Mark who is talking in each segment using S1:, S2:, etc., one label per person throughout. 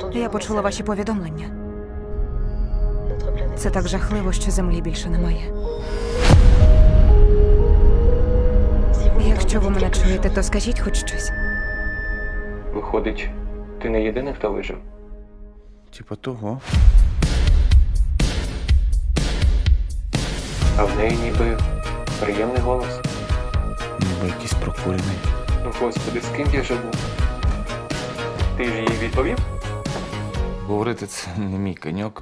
S1: Я почула ваші повідомлення. Це так жахливо, що землі більше немає. Якщо ви мене чуєте, то скажіть хоч щось.
S2: Виходить, ти не єдиний, хто вижив?
S3: Типа того.
S2: А в неї ніби приємний голос.
S3: Ніби якийсь прокурений.
S2: Ну, господи, з ким я живу? Ти ж їй відповів?
S3: Говорити це не мій коньок.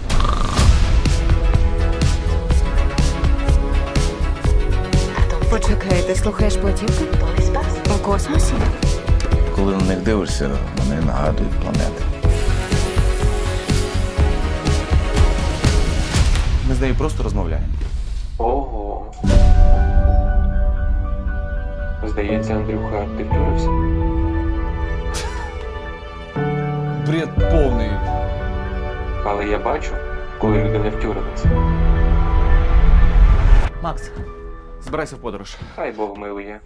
S1: Почекай, ти слухаєш платівки? У космосі?
S3: Коли на них дивишся, вони нагадують планети. Ми з нею просто розмовляємо.
S2: Ого. Здається, Андрюха, ти втюрився?
S3: Бред повний.
S2: Але я бачу, коли люди не втюрилися.
S3: Макс, збирайся в подорож.
S2: Хай Бог милує.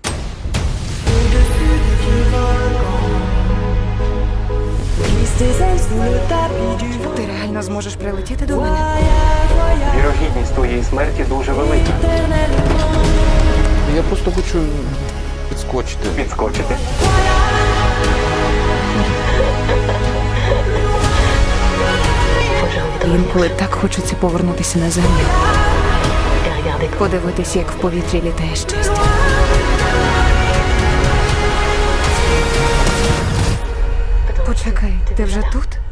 S1: Ти реально зможеш прилетіти до мене?
S2: Вірогідність твоєї смерті дуже велика.
S3: Я просто хочу підскочити.
S2: Підскочити.
S1: Інколи так хочеться повернутися на землю. Подивитися, як в повітрі літає щастя. Почекай, ти вже тут?